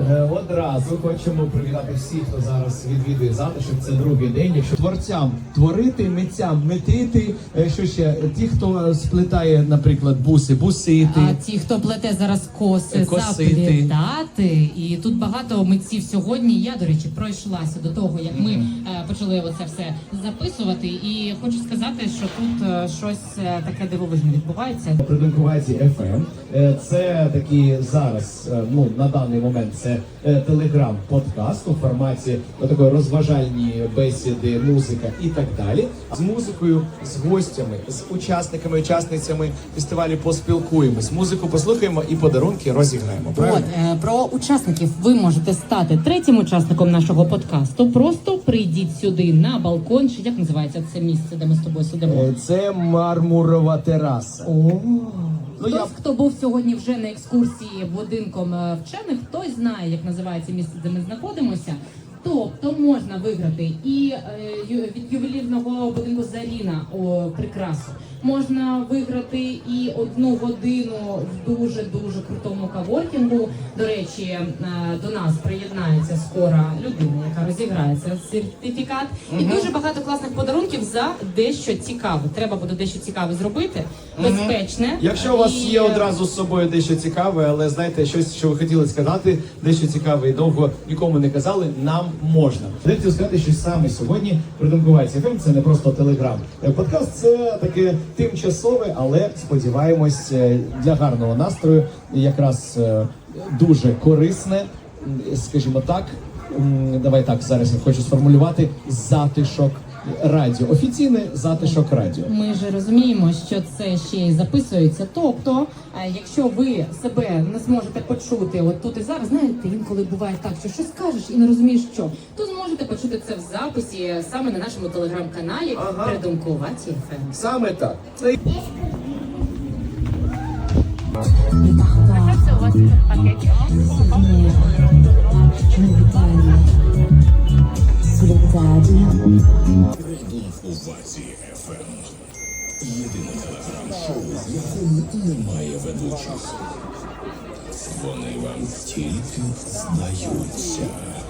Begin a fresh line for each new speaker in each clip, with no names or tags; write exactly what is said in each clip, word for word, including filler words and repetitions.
Е, Одразу хочемо привітати всіх, хто зараз відвідує затишок. Це другий день. Якщо творцям творити, митцям митити, е, що ще ті, хто сплетає, наприклад, буси, бусити.
А ті, хто плете зараз коси,
Косити.
заплітати. І тут багато митців сьогодні. Я, до речі, пройшлася до того, як ми е, почали оце все записувати. І хочу сказати, що тут е, щось е, таке дивовижне відбувається.
Придумкуваті еф ем. Е, Це такі зараз, е, ну на даний момент, це е, телеграм-подкаст у форматі такої розважальні бесіди, музика і так далі. З музикою, з гостями, з учасниками, учасницями фестивалю поспілкуємось. Музику послухаємо і подарунки розіграємо. Правильно?
От, е, про учасників ви можете стати третім учасником нашого подкасту. Просто прийдіть сюди на балкон, чи як називається це місце, де ми з тобою сидимо?
Е, Це мармурова тераса.
О,
Ну,
хтось,
я-
хто був сьогодні вже на екскурсії будинком е, вчених, хтось знає, як називається місце, де ми знаходимося. Тобто можна виграти і е, ю- від ювелірного будинку Заріна о, прикрасу. Можна виграти і одну годину в дуже-дуже крутому каворкінгу. До речі, е, до нас приєднається скоро людина, яка розіграє цей сертифікат. І дуже багато класних подарунків за дещо цікаве. Треба буде дещо цікаве зробити, безпечне.
Якщо у вас
І,
є одразу з собою дещо цікаве, але знаєте, щось, що ви хотіли сказати, дещо цікаве і довго нікому не казали, нам можна. Я хотів сказати, що саме сьогодні Придумкуваті еф ем – це не просто телеграм. Подкаст – це таке тимчасове, але сподіваємось для гарного настрою, якраз е, дуже корисне, м, скажімо так. м, Давай так, зараз я хочу сформулювати затишок радіо. Офіційне затишок радіо.
Ми ж розуміємо, що це ще й записується. Тобто, е, якщо ви себе не зможете почути от тут і зараз, знаєте, інколи буває так, що щось кажеш і не розумієш, що, то зможете почути це в записі саме на нашому телеграм-каналі
Ага.
Придумкуваті еф ем.
Саме так. Це
Це у вас пакетик.
Придумкуваті еф ем. Єдине телеграм-шоу, в якому немає ведучих. Вони вам тільки здаються.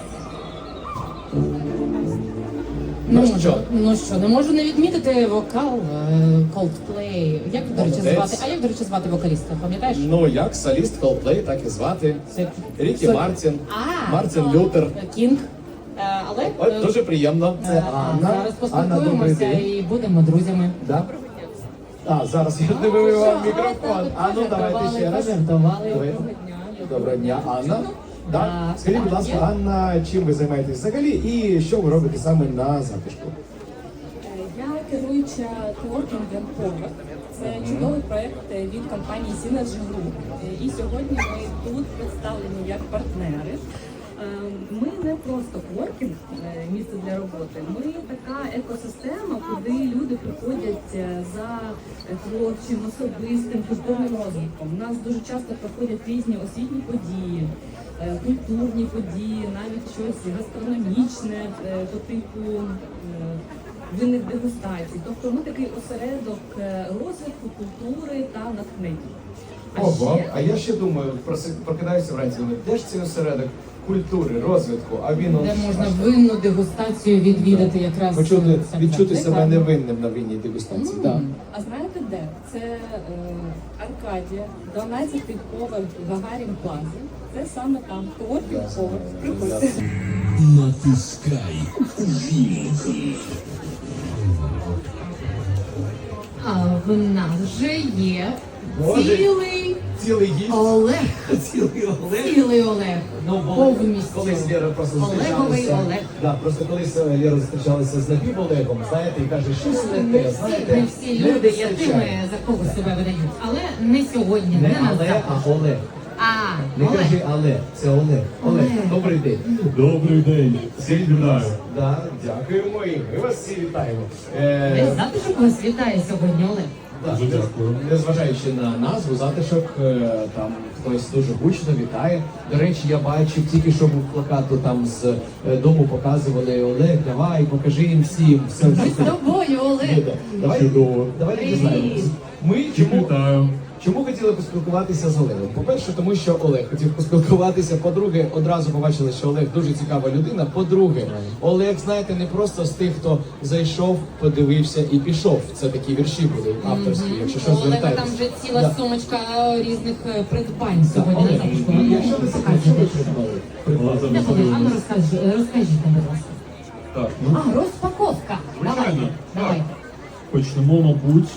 Ну що?
Ну що, не можу не відмітити вокал е, Coldplay. Як, до речі,
Молодець.
звати? А як, до речі, звати вокаліста? Пам'ятаєш?
Ну, як соліст Coldplay, так і звати.
Це
Рікі
Це-
Мартін,
А,
Мартін
то-
Лютер.
Кінг. Е, Але
От,
е,
дуже приємно. Це
е,
Анна.
зараз
Анна, добрий
поспілкуємося
день.
і будемо друзями.
Да? А, зараз я не вивів вам
Що?
мікрофон.
Так,
А ну давайте
пожартували,
ще раз.
пожартували.
Давай.
Доброго дня.
Доброго дня, Анна. Да?
Так,
Скажіть, будь
так,
ласка,
є.
Анна, чим ви займаєтесь взагалі і що ви робите саме на затишку?
Я керуюча коворкінгом Power. Це чудовий проект від компанії Synergy Group. І сьогодні ми тут представлені як партнери. Е, Ми не просто коворкінг, е, місце для роботи. Ми така екосистема, куди люди приходять е, за творчим, особистим, культурним розвитком. У нас дуже часто проходять різні освітні події, е, культурні події, навіть щось гастрономічне е, по типу е, винних дегустацій. Тобто ми такий осередок е, розвитку культури та натхнення. А
Ого,
ще
а я ще думаю, проси- прокидаюся вранці, думаю, де ж цей осередок культури, розвитку, а він...
Де
он-
можна винну дегустацію відвідати якраз.
Почути,
це
відчути
так,
себе
так.
невинним на винній дегустації.
М.
Да.
А знаєте де? Це е, Аркадія, дванадцятий поверх Гагарін Плазі. Це саме там. Коворкінг поверх. Приходьте.
Натискай увімкни.
А в нас вже є
Боже.
цілий
Цілий гість.
Олег.
Цілий Олег.
Цілий Олег.
Ну, бо
Повністю.
колись Лера просто
Олеговий
зустрічалася.
Олег.
Да, просто колись е, Лера зустрічалася з Напів Олегом, знаєте, і каже, щось не
Не
те,
всі,
знаєте.
не всі
не
люди є
вистачає.
тими, за кого себе видають. Але не сьогодні, не,
Не
на
але,
завтра.
а Олег.
А,
Не
Олег.
кажи але, це Олег. Олег,
Олег.
добрий день.
Добрий день. Всіх вітаю.
Да, дякуємо і ми вас всі вітаємо.
Весь
Е,
затишок вас вітає сьогодні, Олег.
да,
Дуже дякую.
Незважаючи на назву, затишок, е, там хтось дуже гучно вітає. До речі, я бачив тільки що був плакату там з е, дому показували Олег, давай, покажи їм всім. Все,
Ми з тобою, Олег.
Давай,
Чудово.
давайте
Привіт.
дізнаємось. Ми
Всіх
чому
вітаю.
Чому хотіли поспілкуватися з Олегом? По-перше, тому що Олег хотів поспілкуватися. По-друге, одразу побачили, що Олег дуже цікава людина. По-друге, Олег, знаєте, не просто з тих, хто зайшов, подивився і пішов. Це такі вірші були авторські, якщо
У
щось
Олега
звертаєтесь.
там вже ціла
Да.
сумочка різних е, придбань сьогодні
Олег,
на запуску.
якщо ви секрет, що ви придбали? Придбали.
Де були? А ну розкажи, розкажіть, будь ласка.
Так, ну,
А, розпаковка. Давай,
Звичайно.
давай.
почнемо, мабуть.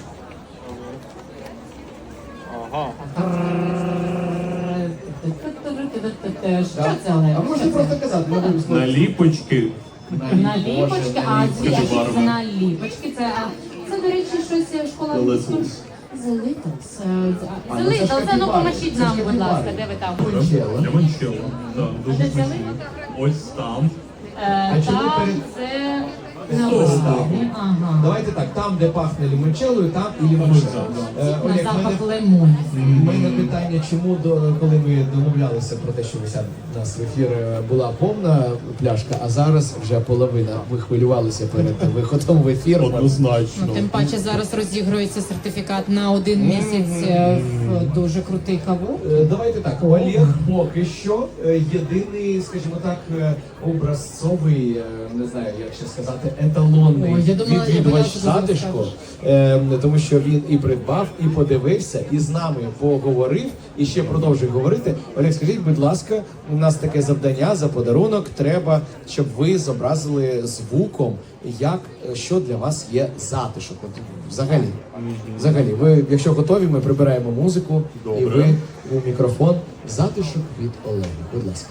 Що це, Олег?
А можна просто казати, ми будемо
Наліпочки.
Наліпочки, а
Наліпочки,
звідки це
барви.
наліпочки? Це, а, це, до речі, щось школа
The
англійської.
Littles.
The Littles. е,
А,
The
ну це ж
Littles, це ну
капібари,
поможіть
це ж
нам, будь
капібари.
ласка, де ви там?
Лимончелло.
Лимончелло. Да, дуже
де взяли?
смачні. Ось там.
Е,
А чому
Там
перед-
це
Ось
на
так.
Ага.
Давайте так, там, де пахне лімончеллою, там і лімончелло. Е,
На
Олег,
запах
мене,
лимонів.
мене питання, чому до коли ми домовлялися про те, що ви сядете у нас в ефір, е, була повна пляшка, а зараз вже половина. Ми хвилювалися перед виходом в ефір.
Однозначно.
Ну, тим паче зараз розігрується сертифікат на один місяць е, в дуже крутий каву.
Е, Давайте так, Олег поки що е, єдиний, скажімо так, е, образцовий, е, не знаю, як ще сказати, еталонний
Ой, я думала, я
відвідувач
боялася, що зараз
затишку,
скажеш.
е, тому що він і придбав, і подивився, і з нами поговорив, і ще продовжує говорити. Олег, скажіть, будь ласка, у нас таке завдання за подарунок. Треба, щоб ви зобразили звуком, як е, що для вас є затишок. От, взагалі, взагалі, ви, якщо готові, ми прибираємо музику, і
Добре.
ви у мікрофон затишок від Олега. Будь ласка.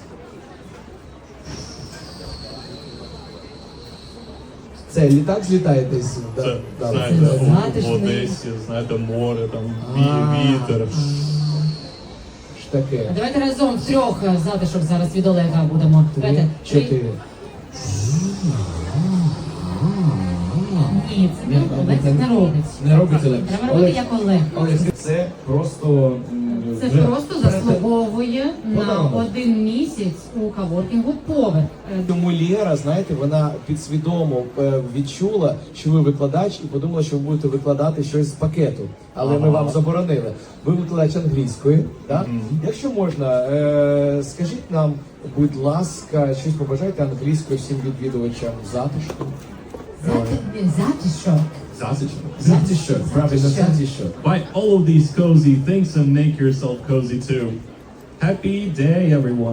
Це літак злітає десь. да?
Це,
Да,
знаєте,
це-
в- в
затишний.
Одесі, знаєте, море, там
А.
ві- вітер.
ж таке.
Давайте разом трьох е, затишок зараз від Олега будемо.
Три,
Давайте. Три.
чотири.
Ні, це не Олег не робить.
Не робить Олег.
Треба робити як Олег.
Олег, це просто м,
Це
вже-
просто заслуговує на
Подарунок.
один місяць у каворкінгу поверх. Е,
Тому Лєра, знаєте, вона підсвідомо е, відчула, що ви викладач, і подумала, що ви будете викладати щось з пакету. Але ми вам заборонили. Ви викладач англійської, так? Якщо можна, е, скажіть нам, будь ласка, щось побажайте англійською всім відвідувачам затишку.
зати- Затишок.
Затишно.
Затишок, правильно, затишок.
Buy all of these cozy things and make yourself cozy too. Happy day, everyone.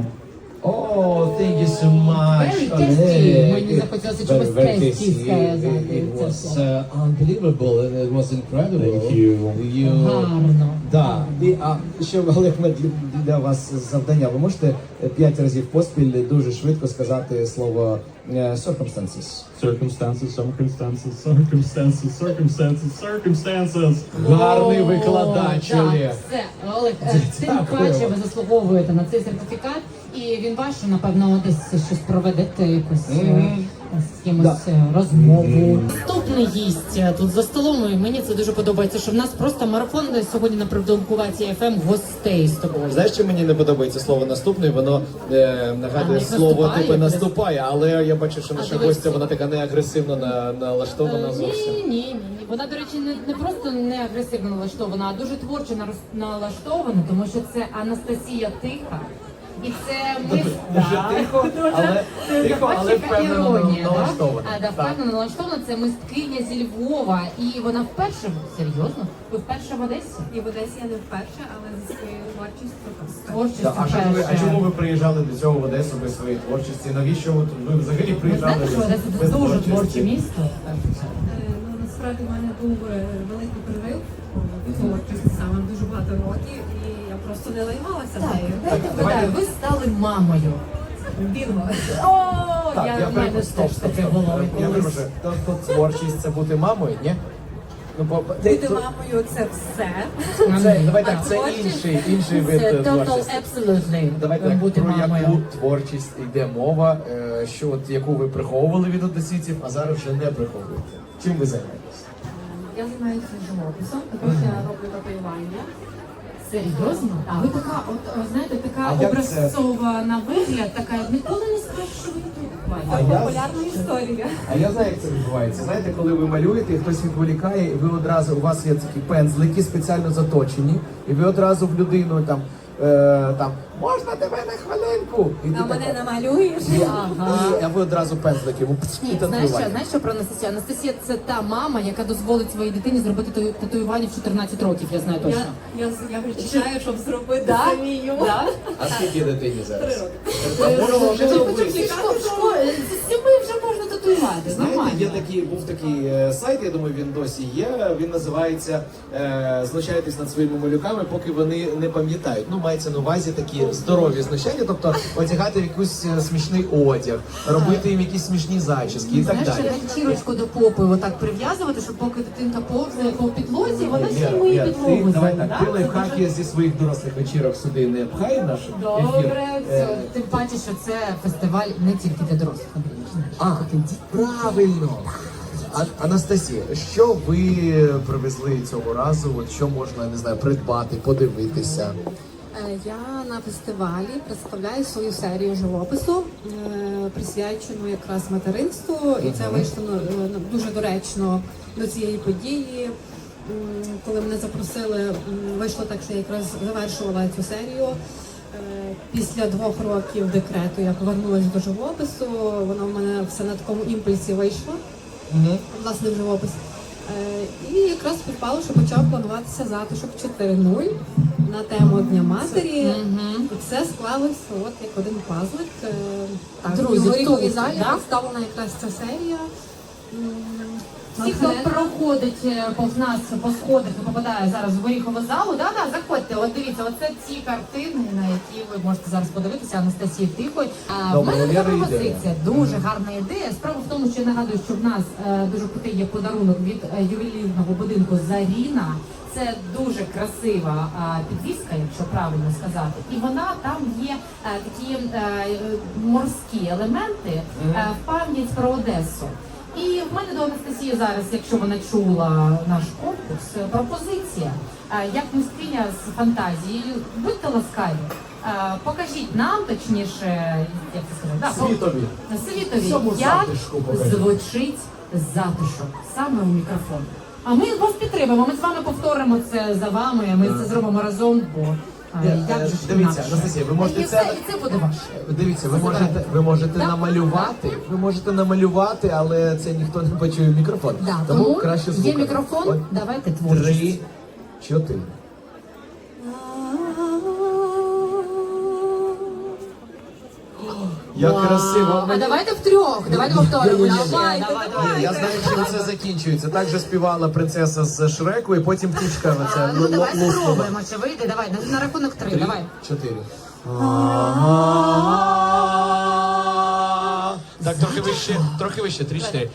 Oh, thank you so much.
Very
Олег.
tasty. Мені захотілося чогось
Very, very
tasty
tasty.
сказати.
It
Це
was
слово.
uh, unbelievable and it was incredible.
Thank you.
You-
Гарно.
Да. І, а ще, Олег, ми для, для вас завдання. Ви можете е, п'ять разів поспіль дуже швидко сказати слово е, circumstances.
Circumstances, circumstances, circumstances, circumstances, circumstances.
Гарний
О,
викладач,
так,
Олег.
Все, Олег, е, тим
Дякую.
паче ви заслуговуєте на цей сертифікат, і він ваш, що, напевно, десь щось проведете, якусь е,
Мгм.
з кимось
Да.
е, розмову. Наступний гість е, тут за столом, і мені це дуже подобається, що в нас просто марафон сьогодні на Придумкуваці еф ем гостей з тобою.
Знаєш, що мені не подобається слово наступний, воно е, нагадує
А, як
слово
наступає,
типу
як
наступає, але я бачу, що
А,
наша
дивись.
гостя, вона така не агресивно на, налаштована
Е,
зовсім.
Ні, ні, ні. Вона, до речі, не, не просто не агресивно налаштована, а дуже творчо нарос- налаштована, тому що це Анастасія Тиха. І це ми
Дуже тихо, але тихо, але
бачиш, яка
впевнено
іронія, да?
налаштована.
А, да, впевнено налаштована. Це мисткиня зі Львова, і вона вперше серйозно. Ви вперше в Одесі?
І в Одесі я не вперше, але зі своєю творчістю просто.
Творчість
Да, а, що ви, а
вперше.
чому ви приїжджали до цього в Одесу без своєї творчості? Навіщо ви, тут- ви взагалі
Ви
приїжджали
знаєте, що Одеса
без
це дуже
творчості?
творче місто.
Е, Ну насправді в мене був е, великий прорив в творчості саме дуже багато років, і я просто не лаймалася
Так,
нею.
дайте
давайте-
вгадаю, ви стали мамою.
Бінго.
О,
Так,
я,
я
в мене
перепрошую, стоп,
теж
стоп,
таке
стоп.
було
Я
колись.
перепрошую, то, то творчість це бути мамою, ні? Ну, бо,
Бути
то-
мамою це все.
це, давай так,
А
це
творчість?
інший, інший вид
Це
е,
total
творчості.
absolutely.
Давайте так,
бути
про
мамою.
яку творчість йде мова, е, що от яку ви приховували від одеситів, а зараз вже не приховуєте. Чим ви займаєтесь?
Я займаюся живописом, також я роблю татуювання. Це
Серйозно? А ви така, от о, знаєте, така
А як це?
образцова на вигляд, така ніколи не скажеш, що ви тут
А
бачите.
я-
Популярна історія.
А я знаю, як це відбувається. Знаєте, коли ви малюєте, і хтось відволікає, і ви одразу, у вас є такі пензлики спеціально заточені, і ви одразу в людину там, е, там можна тебе на хвилинку? І ти
А мене
така,
намалюєш?
Ага.
і, а ви одразу пензлики йому пц, і
Ні, знаєш що,
татуювання.
знаєш що про Анастасію? Анастасія це та мама, яка дозволить своїй дитині зробити тату- татуювання в чотирнадцять років, я знаю точно.
Я, я, я вже чекаю, щоб зробити
Да?
самію.
Да?
А скільки дитині зараз?
Три роки.
А можна вже
Вже
зробити?
хоча б зі школи- в школі, з сіми вже можна татуювати,
Знаєте,
нормально.
є такий, був такий е, сайт, я думаю, він досі є. Він називається е, Знущайтесь над своїми малюками, поки вони не пам'ятають. Ну, мається на увазі такі здорові знущання, тобто одягати в якийсь е, смішний одяг, робити їм якісь смішні зачіски і так
Знаєш,
далі.
ще ганчірочку до попи отак прив'язувати, щоб поки дитинка повзає по підлозі, вона ще й
Лєра,
миє
Лєра,
підлогу.
ти, давай
да?
так, ти
Це
лайфхаки
дуже-
зі своїх дорослих вечірок сюди не пхай в наш ефір.
Добре,
Е,
все. Тим паче, що це фестиваль не тільки для дорослих, Андрій. знаєш.
А, правильно. А, Анастасія, що ви привезли цього разу? От що можна, я не знаю, придбати, подивитися?
Е, Я на фестивалі представляю свою серію живопису, е, присвячену якраз материнству, і це вийшло ну, е, ну, дуже доречно до цієї події. М, Коли мене запросили, м, вийшло так, що я якраз завершувала цю серію. Е, Після двох років декрету я повернулася до живопису. Воно в мене все на такому імпульсі вийшло, власне, в живопис. Е, І якраз співпало, що почав плануватися затишок чотири нуль на тему Дня матері.
Мгм.
І все склалося от як один пазлик. Е, Так,
Друзі,
в горіховій
тут,
залі
да?
представлена якраз ця серія. М,
Всі, хто
натхненна.
проходить е, повз нас по сходах і попадає зараз в горіхову залу, да, да, заходьте. От дивіться, оце ті картини, на які ви можете зараз подивитися. Анастасії Тихой. А в
Добре,
мене така
Лєра,
пропозиція, дуже гарна ідея. Справа в тому, що я нагадую, що в нас е, дуже крутий є подарунок від е, ювелірного будинку Заріна. Це дуже красива а, підвіска, якщо правильно сказати, і вона там є е, такі е, е, морські елементи е, в пам'ять про Одесу. І в мене до Анастасії зараз, якщо вона чула наш конкурс, е, пропозиція. Е, Як мисткиня з фантазією, будьте ласкаві, е, покажіть нам, точніше, як це сказати, да, по-
Світові.
світові,
Всьому
як
затишку покажіть.
звучить затишок саме у мікрофон. А ми вас підтримуємо, ми з вами повторимо це за вами, ми це зробимо разом, бо а,
Е,
як же ж
Дивіться,
інакше?
Анастасія, ви можете
і
це-
це, і це буде ваше.
Дивіться, ви можете, ви можете
Да.
намалювати, ви можете намалювати, але це ніхто не почує в мікрофон.
Да,
тому,
тому
краще
є
звуком.
мікрофон,
От
давайте творчість.
Три, чотири. Як
Вау.
красиво.
А
Мені-
давайте втрьох, давайте повторимо.
Ні-ні-ні.
Давай,
Давайте,
давай,
Ні, я знаю, чим це закінчується. Так же співала принцеса з Шреку, і потім птичка оця
А, ну
л-
давай
л- луснула.
спробуємо, чи вийде, давай, на, на рахунок три,
Три,
давай.
чотири. Так, трохи вище, трохи вище, три, чотири.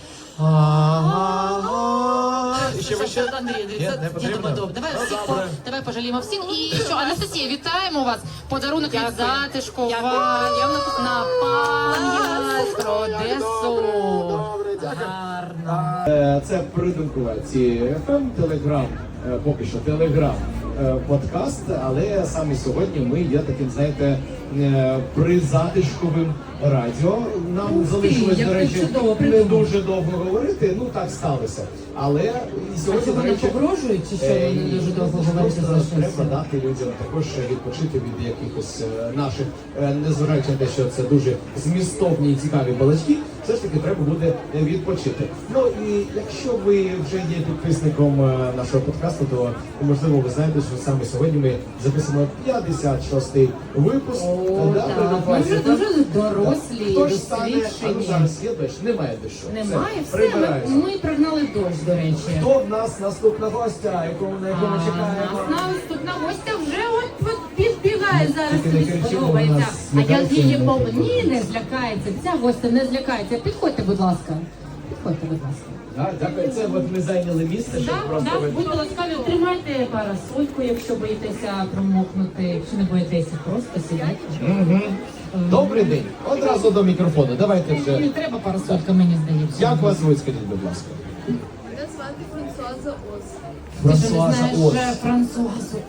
І ще вище.
Андрій, Андрій,
Ні,
це
не
я
потрібно?
думаю, добре. Давай
Ну,
всіх
добре.
по- давай пожаліємо всіх. І що, Анастасія, вітаємо вас. Подарунок від
Дякую.
затишку
Дякую.
вам на пам'ять про Одесу.
Добре, дякую.
Гарно.
Е, Це придумкова ці еф ем, телеграм, е, поки що телеграм е, подкаст, але саме сьогодні ми є таким, знаєте, е, призатишковим радіо. Нам
Ух ти,
залишилось,
як
до
ти
речі,
чудово
не
придумав.
дуже довго говорити, ну так сталося. Але і
А
сьогодні,
що
до
вони
речі,
погрожують, чи що
Е,
вони
ні,
дуже довго
просто
говорити залишилися?
треба дати людям також відпочити від якихось е, наших, е, незважаючи на те, що це дуже змістовні і цікаві балачки, все ж таки треба буде е, відпочити. Ну і якщо ви вже є підписником е, нашого подкасту, то можливо ви знаєте, що саме сьогодні ми записуємо п'ятдесят шостий випуск.
О,
Да,
так.
придумайте.
Ми вже дуже дорослі,
Хто ж стане, а ну,
досвідчені.
зараз є дощ? Немає дощу.
Немає,
Все,
все, ми,
прибирається.
ми пригнали дощ, до речі.
Хто в нас наступна гостя, якому на якому
А,
чекаємо?
нас наступна гостя вже от, от підбігає зараз,
Тільки не
тобі
кричи, бо
сподобається.
вона
А я
злякається,
її
не
пов...
буде.
Ні, не злякається. Ця гостя не злякається. Підходьте, будь ласка. Підходьте, будь ласка.
Так, дякую. Це от ми зайняли місце, щоб
Так,
просто
так,
ви...
будьте ласкаві, тримайте парасольку, якщо боїтеся промокнути, якщо не боїтеся, просто сідайте.
Мгм. Добрий день. Одразу до мікрофону. Давайте
Не
вже.
треба парасолька, мені здається.
Як вас звуть, скажіть, будь ласка?
Мене звати Франсуаза Ос.
Ти ж не
Франсуаза
знаєш
Ос.
е, Франсуазу Ос.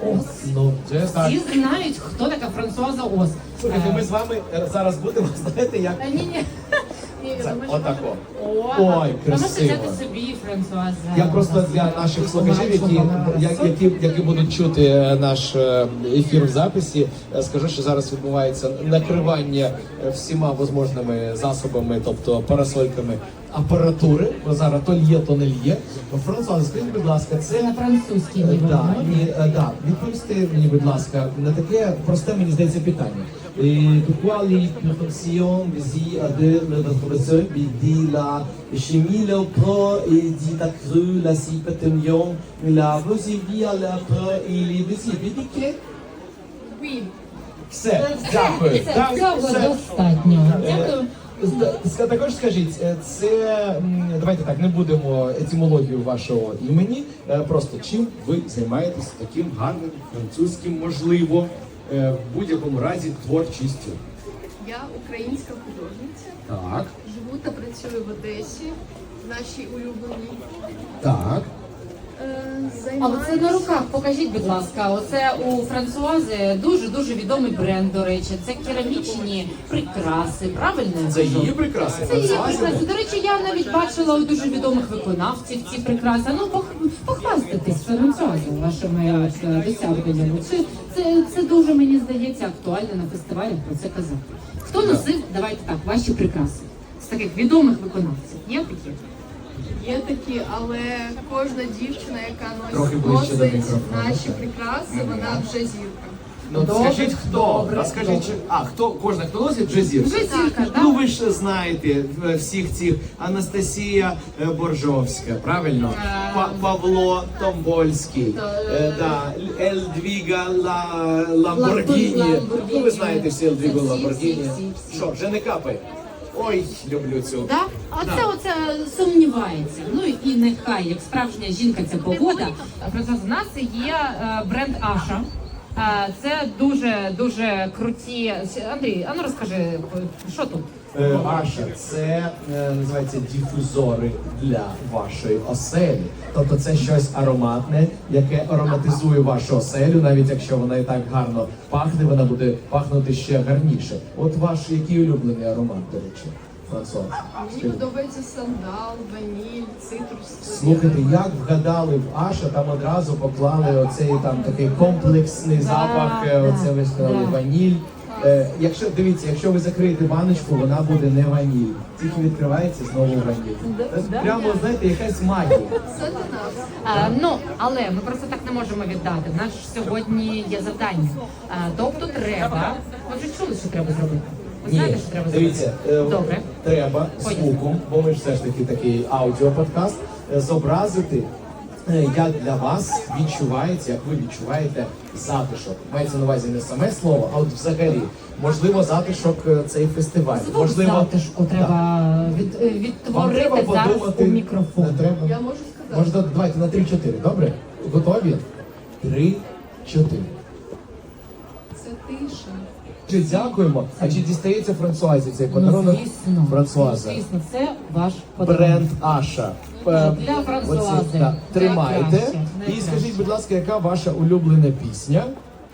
Ну, вже так.
Всі знають, хто така Франсуаза Ос.
Слухайте, ми з вами е, зараз будемо, знаєте, як
Та ні, ні. Ні,
це,
думаю, що
отако.
О,
Ой,
ви можете
красиво.
взяти собі Франсуаза.
Я просто для наших слухачів, які, я- які, які будуть чути е, наш е, ефір в записі, е, скажу, що зараз відбувається накривання е, всіма можливими засобами, тобто парасольками апаратури, бо зараз то л'є, то не л'є. Франсуаза, скажіть, будь ласка, це
На французькій
Е,
ніби.
Да, ні, е, да. Відповісти мені, будь ласка, на таке просте, мені здається, питання. Et pourquoi les perfections visent à de notre seul dit la chimie, le pro et dit la crue, la cipatonion, la vosivia, la pro et les visibilité?
Oui.
Все, дякую.
Це
Так,
цього
все.
достатньо.
Е,
Дякую.
з- з- Також скажіть, е, це м, давайте так, не будемо етимологію вашого імені. е, Просто чим ви займаєтесь таким гарним французьким, можливо, е, в будь-якому разі творчістю?
Я українська художниця,
Так,
живу та працюю в Одесі, в нашій улюбленій.
так.
Е,
Але це на
Займаюся
руках, покажіть, будь ласка. Оце у Франсуази дуже-дуже відомий бренд, до речі. Це керамічні прикраси, правильно? я
Це
кажу?
її прикраси.
Це її
Франсуазі?
прикраси. До речі, я навіть бачила у дуже відомих виконавців ці прикраси. Ну, пох- похвастайтесь Франсуазі вашими от, е, досягненнями. Це, це, це дуже, мені здається, актуально на фестивалях про це казати. Хто носив, давайте так, ваші прикраси? З таких відомих виконавців. Є такі?
є такі, але кожна дівчина, яка
Трохи
носить,
ближче до
носить
мікрофону,
наші
так.
прикраси, вона вже зірка.
Ну,
Добре,
скажіть хто?
добре,
А скажіть,
добре.
чи- а хто кожна хто носить вже зірка?
Вже зірка, так?
Ну ви ж знаєте е, всіх цих Анастасія е, Боржовська, правильно? Па- Павло Томбольський, е, да, Ельдвіга Ла- Ламборгіні.
Ламборгіні.
Ну ви знаєте всі Ельдвігу
Всі, всі,
Ламборгіні.
всі, всі.
Що, вже не капає? Ой, люблю цю.
Да? А це оце сумнівається. Ну і нехай, як справжня жінка, ця погода. Просто в нас є е, бренд Аша. Е, Це дуже дуже круті. Андрій, а ну розкажи, що тут?
Е, Аша, це е, називається дифузори для вашої оселі. Тобто це щось ароматне, яке ароматизує вашу оселю, навіть якщо вона і так гарно пахне, вона буде пахнути ще гарніше. От ваш який улюблений аромат, до речі, Франсуаз?
Мені подобається сандал, ваніль, цитрус.
Слухайте, як вгадали в Аша, там одразу поклали оцей там такий комплексний
Да,
запах, е,
да,
оце ви сказали
да.
ваніль. Е, якщо дивіться, якщо ви закриєте баночку, вона буде не ваніль. Тільки відкривається знову ваніль. Це прямо, знаєте, якась магія.
Це для нас.
А, ну, але ми просто так не можемо віддати. У нас ж сьогодні є завдання. А, тобто треба. Ви вже чули, що треба зробити? Ви знаєте, що треба зробити?
дивіться, е,
Добре.
треба
Поїхали.
звуком, бо ми ж все ж таки такий аудіоподкаст, е, зобразити, е, як для вас відчувається, як ви відчуваєте затишок. Мається на увазі не саме слово, а от взагалі. Можливо, затишок е, цей фестиваль.
Звук
Можливо,
затишку треба від, е,
вам треба
відтворити зараз
подумати.
у мікрофон.
Не треба.
Я можу сказати.
Можна, давайте на три-чотири, добре? Готові? Три-чотири.
Це тиша.
Чи дякуємо? А чи дістається Франсуазі цей
Ну,
подарунок?
звісно,
Франсуаза.
ну, звісно, це ваш подарунок.
Бренд Аша. Е,
Для Франсуази.
оці, так, Тримайте.
Найкраще,
І
найкраще.
скажіть, будь ласка, яка ваша улюблена пісня?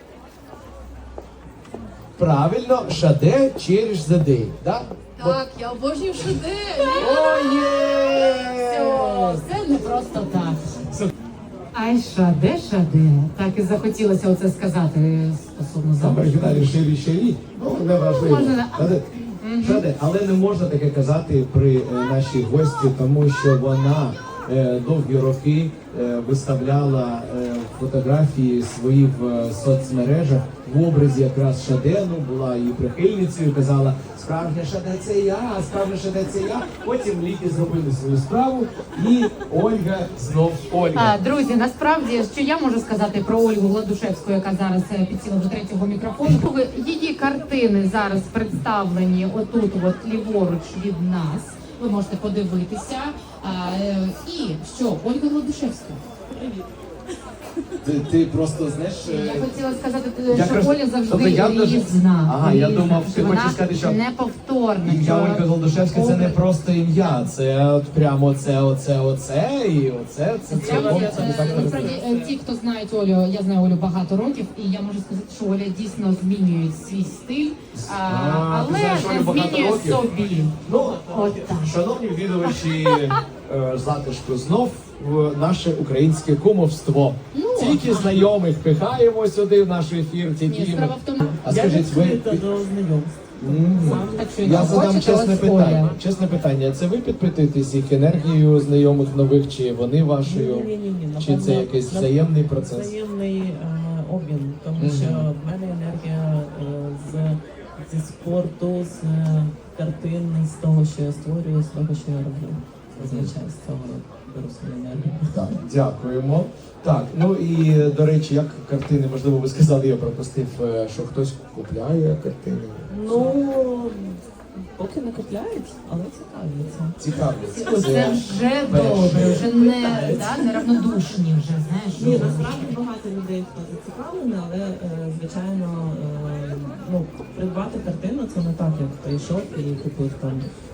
Правильно, Шаде через the day. Да?
Так, я обожнюю шедевр.
О, є!
Все, все не просто так. Ай, шаде, шаде. Так і захотілося оце сказати стосовно
Там в
замку.
оригіналі ширі ширі, ну не важливо.
Можна,
Шаде. Шаде. Але не можна таке казати при е, нашій гості, тому що вона е, довгі роки е, виставляла е, фотографії свої в е, соцмережах в образі якраз Шаде, ну була її прихильницею, казала, справжня Шаде це я, справжня Шаде це я. Потім ліки зробили свою справу і Ольга знов Ольга.
А, друзі, насправді, що я можу сказати про Ольгу Гладушевську, яка зараз е, підсіла до третього мікрофону. Ви- Її картини зараз представлені отут, от ліворуч від нас. Ви можете подивитися. А, е, і що, Ольга Гладушевська.
Ти, ти просто, знаєш... е,
Я хотіла сказати,
Я
що
кажу,
Оля завжди
тобто я дуже-
різна.
Ага, я
різна,
думав,
що
ти
вона
хочеш сказати, що
неповторна.
ім'я
що
Ольга Голдушевська це не
образ-
просто ім'я, це от прямо оце, оце, оце і оце, це цілком, це не так
Е,
не
Насправді, е, ті, хто знають Олю, я знаю Олю багато років, і я можу сказати, що Оля дійсно змінює свій стиль, а,
А, ти
але
знаєш Олю
не
багато
змінює
років?
собі.
Ну,
От так.
шановні відвідувачі е, затишку, знов в наше українське кумовство.
Ну,
Тільки знайомих пихаємо сюди в наш ефір,
Ні,
тільки
справа в тому,
А скажіть, ви...
до знайомств.
Мгм.
так що
Я
якщо
задам
хочете,
чесне
ось
питання.
Оля.
Чесне питання. Це ви підпитуєтесь їх енергією знайомих нових, чи вони вашою?
Ні-ні-ні,
Чи це якийсь взаємний процес?
Взаємний е, обмін, тому
Мгм.
що в мене енергія е, з, зі спорту, з е, картин, з того, що я створюю, з того, що я роблю. Зазвичай з цього беру свою енергію.
Так, дякуємо. Так, ну і до речі, як картини, можливо, ви сказали, я пропустив, е, що хтось купляє картини.
Ну, поки не купляють, але цікавляться.
Цікавляться.
Це вже добре, вже не, да, неравнодушні вже, знаєш.
Ні, насправді багато людей хто зацікавлений, але е, звичайно, е, ну, придбати картину це не так, як прийшов і купив там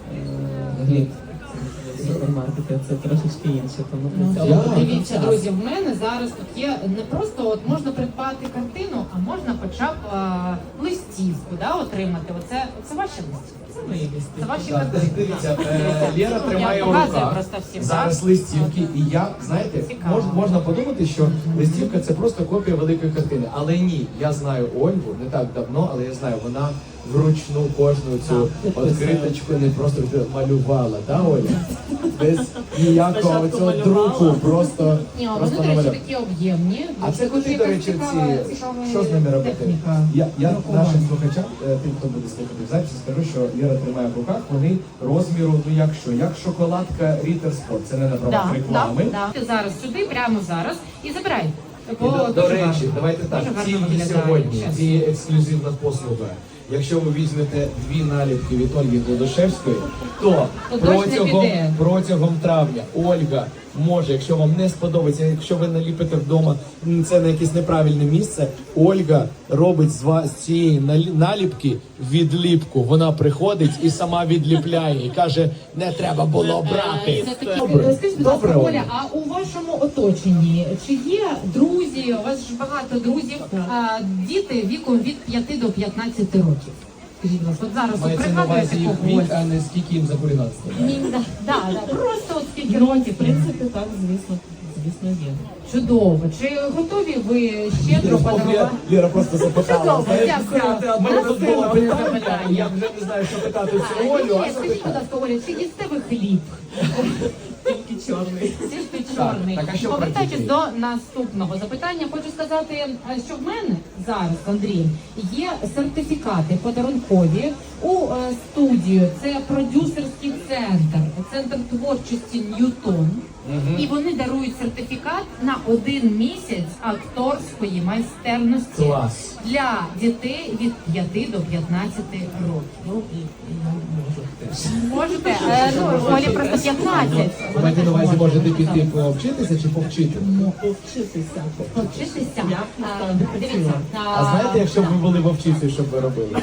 е, хліб в супермаркеті. Це трошечки інше. Тому
Ну,
для цього
я-
потрібен
Дивіться,
час.
друзі, в мене зараз тут є не просто от можна придбати картину, а можна хоча б а, листівку, да, отримати. Оце, це ваші листівки.
Це мої листи.
Це ваші
Так,
картини.
дивіться, е, Лєра тримає
Я
у
показую
руках
просто всім,
зараз
так?
листівки, і я, знаєте,
Цікаво.
мож, можна подумати, що листівка це просто копія великої картини. Але ні, я знаю Ольгу не так давно, але я знаю, вона вручну кожну цю відкриточку не просто малювала, да, Оля? Без ніякого
Спочатку
цього
малювала.
друку, просто,
Ні, вони,
просто
до речі,
намалювала.
такі об'ємні.
А це
Дуже
куди, до
якась
речі,
цікава-
ці,
цікава
що з ними робити?
техніка
Я, я
друкування.
нашим слухачам, е, тим, хто буде слухати в записі, скажу, що Лєра тримає в руках, вони розміру, ну як що, як шоколадка Рітер Спорт, це не на правах
Да,
реклами.
да, да. Ти зараз сюди, прямо зараз, і забирай.
І
Бо
до, до
дуже
речі,
гарно.
давайте так,
Дуже гарно
тільки
виглядає,
сьогодні,
чесно.
ці ексклюзивна послуга. Якщо ви візьмете дві наліпки від Ольги Голдушевської, то
То дощ не
протягом,
піде.
протягом травня Ольга може, якщо вам не сподобається, якщо ви наліпите вдома м, це на якесь неправильне місце, Ольга робить з вас з цієї налі- наліпки відліпку. Вона приходить і сама відліпляє і каже, не треба було брати.
Це такі-
Добре,
Скажіть, будь ласка,
добре,
Оля,
Оля.
а у вашому оточенні чи є друзі? У вас ж багато друзів, а, діти віком від п'яти до п'ятнадцяти років. Скажіть, будь ласка, от зараз от
Мається на
пригадуєте
увазі
когось?
вік, а не скільки їм за хуліганство.
Ні, да, да, да, просто от скільки
Ну,
років.
в принципі, так, звісно, звісно, є.
Чудово. Чи готові ви щедро подарувати?
Ліра просто запитала.
Чудово,
знаєш,
дякую.
У мене тут було
Наступне
питання,
запитання.
я вже не знаю, що питати
А,
цю Олю,
ні,
а
ні, скажіть, будь ласка, Оля, чи їсте ви хліб?
Тільки чорний.
Тільки чорний.
так, а що
Повертаючись
про
до наступного запитання, хочу сказати, е, що в мене зараз, Андрій, є сертифікати подарункові у е, студію. Це продюсерський центр, центр творчості Ньютон. І вони дарують сертифікат на один місяць акторської майстерності
Клас.
для дітей від п'яти до п'ятнадцяти років.
Ну, і, і я можу теж.
Можете? Е, ну, Олі просто п'ятнадцять.
Ви маєте на увазі, можете піти повчитися чи повчити?
Повчитися.
Повчитися.
Я б,
А,
насправді,
Дивіться.
А знаєте, якщо б ви були вовчицею, що б ви робили?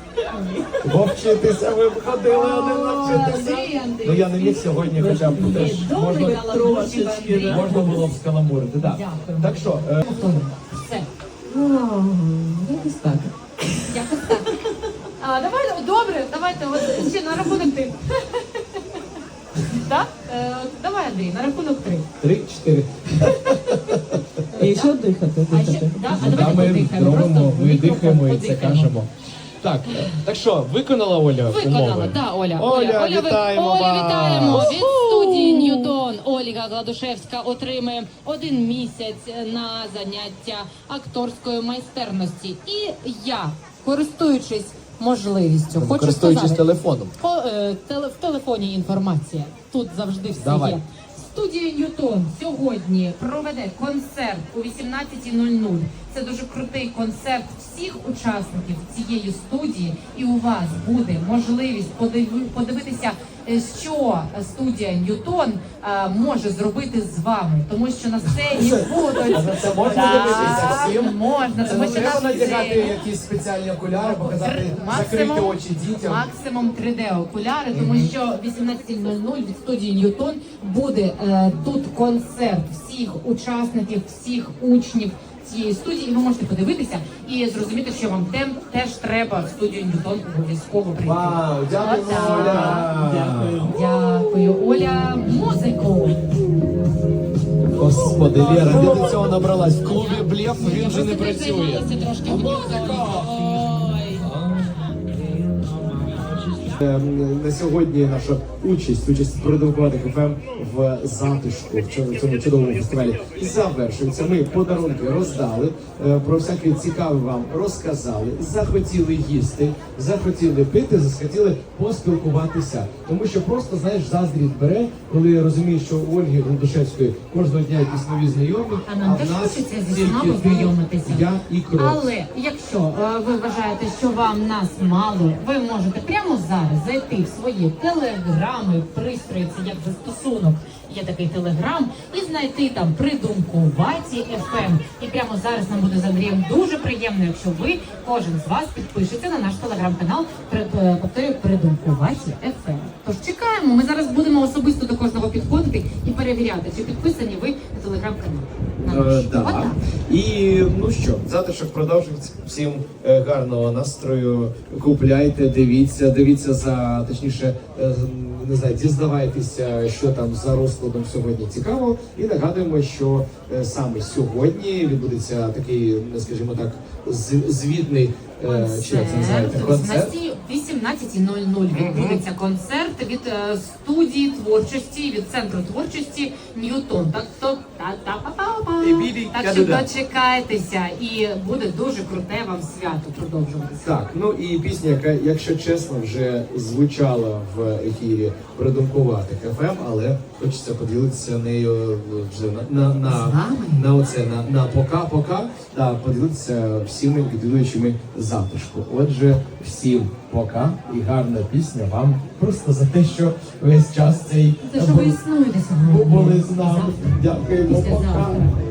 Вовчитися, ви б ходили один навчитися.
Андрій, Андрій.
Ну я не міг сьогодні, хоча б теж
Добре,
можна,
трошечки, да.
можна було б скаламурити. Да.
Дякую.
Так що, е,
Все.
Якось так.
Якось так. А, давай, добре, давайте от, ще на рахунок три. Так? Е, давай, Андрій, на рахунок три.
три-чотири.
І що дихати?
А ще,
дихати?
да, а
Ну, да,
давайте
ми
подихаємо.
робимо,
Просто
ми
в мікрофон
дихаємо і це
подихаємо.
кажемо. Так, е, так що, виконала Оля
Виконала,
умови?
да, Оля.
Оля,
ви-
вітаємо
Оля,
вас!
вітаємо від студії Ньютон. Ольга Гладушевська отримує один місяць на заняття акторської майстерності. І я, користуючись можливістю, хочу
Користуючись
сказати,
телефоном.
по, е, теле, в телефоні інформація. Тут завжди все
Давай.
є. Студія Ньютон сьогодні проведе концерт о вісімнадцятій нуль нуль. Це дуже крутий концерт всіх учасників цієї студії, і у вас буде можливість подиви- подивитися е, що студія Ньютон е, може зробити з вами, тому що на сцені будуть.
А на це можна
Так,
дивитися всім?
можна,
Це
тому
не
що
треба
на
надягати
сцені
якісь спеціальні окуляри, показати,
Максимум-
закрити очі дітям.
Максимум три де окуляри, тому що вісімнадцята нуль нуль від студії Ньютон буде е, тут концерт всіх учасників, всіх учнів цієї студії, і ви можете подивитися і зрозуміти, що вам тем теж треба в студію Ньютон обов'язково прийти.
Вау, дякую,
Отак.
Оля!
Дякую.
Дякую, Оля. Музику.
Господи, Лера, де до цього набралась? В клубі Блєф він вже не працює.
Займалася трошки музикою. Ой.
Е, На сьогодні наша участь, участь продовжувати еф ем в затишку в цьому, цьому чудовому фестивалі завершується. Ми подарунки роздали, е, про всяке цікаве вам розказали, захотіли їсти, захотіли пити, захотіли поспілкуватися. Тому що просто, знаєш, заздрість бере, коли розумієш, що у Ольги Гундушевської кожного дня якісь нові знайомі,
А нам теж
в нас
хочеться зі
тільки
всіма
ти,
познайомитися.
я і кров.
Але якщо е, ви вважаєте, що вам нас мало, ви можете прямо зараз зайти в свої телеграми, пристрої, це як застосунок, є такий телеграм, і знайти там придумкуваті еф ем. І прямо зараз нам буде з Андрієм дуже приємно, якщо ви, кожен з вас, підпишеться на наш телеграм-канал, при- е, повторюю, придумкуваті еф ем. Тож чекаємо, ми зараз будемо особисто до кожного підходити і перевіряти, чи підписані ви на телеграм-канал. На
Е,
наш.
да.
Отак.
І ну що, затишок продовжується. Всім е, гарного настрою. Купляйте, дивіться, дивіться за точніше, е, не знаю, дізнавайтеся, що там за розкладом сьогодні цікаво. І нагадуємо, що е, саме сьогодні відбудеться такий, ну, скажімо так, з- звітний е, чи як це називається, концерт.
О вісімнадцята нуль нуль відбудеться концерт від е, студії творчості, від центру творчості Ньютон. Так то та та па па па Так що дочекайтеся, і буде дуже круте вам свято продовжуватися.
Так, ну і пісня, яка, якщо чесно, вже звучала в ефірі придумкуватих еф ем, але хочеться поділитися нею вже на на на,
вами?
на оце на, на пока-пока, та поділитися всіми відвідувачами затишку. Отже, всім пока і гарна пісня вам просто за те, що весь час цей
Те, що ви існуєте сьогодні.
були з нами.
Завтра.
Дякуємо, пока.
Післязавтра.